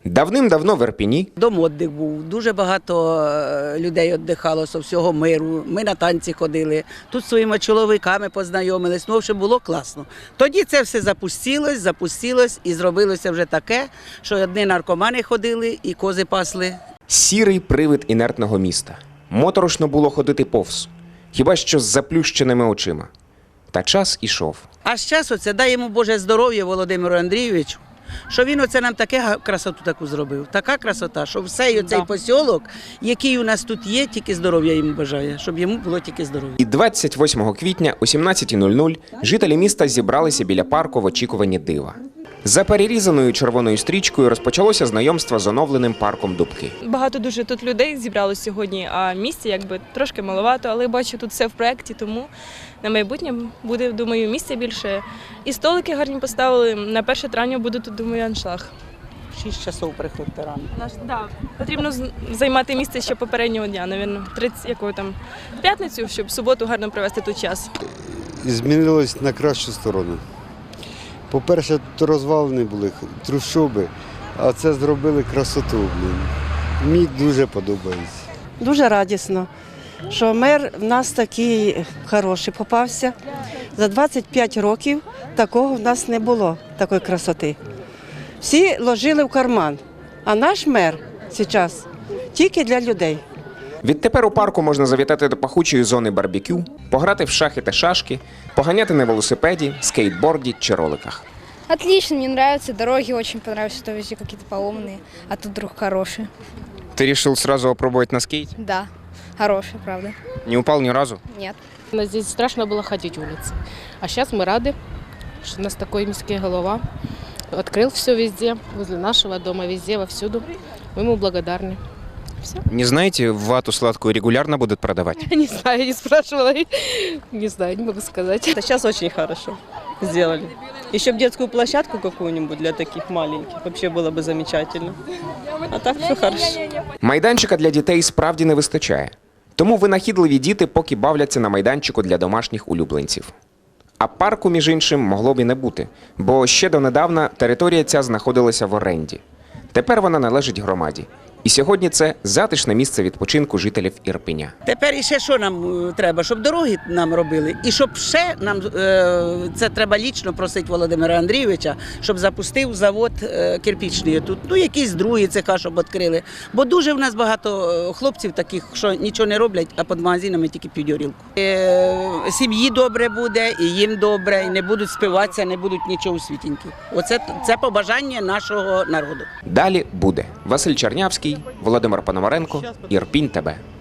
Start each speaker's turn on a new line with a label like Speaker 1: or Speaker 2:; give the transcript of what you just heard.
Speaker 1: Давним-давно в Ірпені
Speaker 2: Дом віддих був, дуже багато людей віддихало з всього миру. Ми на танці ходили, тут зі своїми чоловіками познайомились. Ну, в общем, було класно. Тоді це все запустилось і зробилося вже таке, що одні наркомани ходили і кози пасли.
Speaker 1: сірий привид інертного міста. Моторошно було ходити повз, хіба що з заплющеними очима. Та час ішов.
Speaker 2: А з часу це дай йому Боже здоров'я Володимиру Андрійовичу, що він оце нам таке красоту таку зробив. Така красота, що все цей посілок, який у нас тут є, тільки здоров'я йому бажає, щоб йому було тільки здоров'я.
Speaker 1: І 28 квітня о 17:00 жителі міста зібралися біля парку в очікуванні дива. За перерізаною червоною стрічкою розпочалося знайомство з оновленим парком Дубки.
Speaker 3: Багато дуже тут людей зібралось сьогодні, а місця якби трошки маловато, але бачу, тут все в проєкті, тому на майбутнє буде, думаю, місця більше. І столики гарні поставили. На 1 травня буде тут, думаю, аншлаг.
Speaker 2: 6 часов приходьте рано.
Speaker 3: Потрібно займати місце ще попереднього дня, мабуть, в п'ятницю, щоб в суботу гарно провести тут час.
Speaker 4: Змінилось на кращу сторону. По-перше, тут розвалені були трущоби, а це зробили красоту. Мені дуже подобається.
Speaker 5: Дуже радісно, що мер в нас такий хороший попався. За 25 років такого в нас не було, такої красоти. Всі ложили в карман, а наш мер зараз тільки для людей.
Speaker 1: Відтепер у парку можна завітати до пахучої зони барбекю, пограти в шахи та шашки, поганяти на велосипеді, скейтборді чи роликах.
Speaker 6: Отлично, мне нравятся дороги, очень понравилось, что везде какие-то поломанные, а тут вдруг хорошие.
Speaker 1: Ты решил сразу опробовать на скейте?
Speaker 6: Да, хорошие, правда.
Speaker 1: Не упал ни разу?
Speaker 6: Нет.
Speaker 7: Здесь страшно было ходить улицей. А сейчас мы рады, что у нас такой міський голова открыл все везде, возле нашего дома, везде, вовсюду. Мы ему благодарны. Все.
Speaker 1: Не знаете, вату сладкую регулярно будут продавать?
Speaker 7: Не знаю, не спрашивала. Не знаю, не могу сказать.
Speaker 8: Сейчас очень хорошо сделали. Еще бы детскую площадку какую-нибудь для таких маленьких. Вообще было бы замечательно. А так все хорошо.
Speaker 1: Майданчика для дітей справді не вистачає. Тому винахідливі діти поки бавляться на майданчику для домашніх улюбленців. А парку, між іншим, могло б і не бути, бо ще донедавна територія ця знаходилася в оренді. Тепер вона належить громаді. І сьогодні це затишне місце відпочинку жителів Ірпеня.
Speaker 2: Тепер іще що нам треба? Щоб дороги нам робили. І щоб ще нам, це треба лічно просити Володимира Андрійовича, щоб запустив завод кирпічний тут. Ну, якісь другі цеха, щоб відкрили. Бо дуже в нас багато хлопців таких, що нічого не роблять, а під магазинами тільки п'ють горілку. Сім'ї добре буде, і їм добре, і не будуть спиватися, не будуть нічого у світіньки. Оце це побажання нашого народу.
Speaker 1: Далі буде. Василь Чернявський, Володимир Пономаренко, Ірпінь ТБ.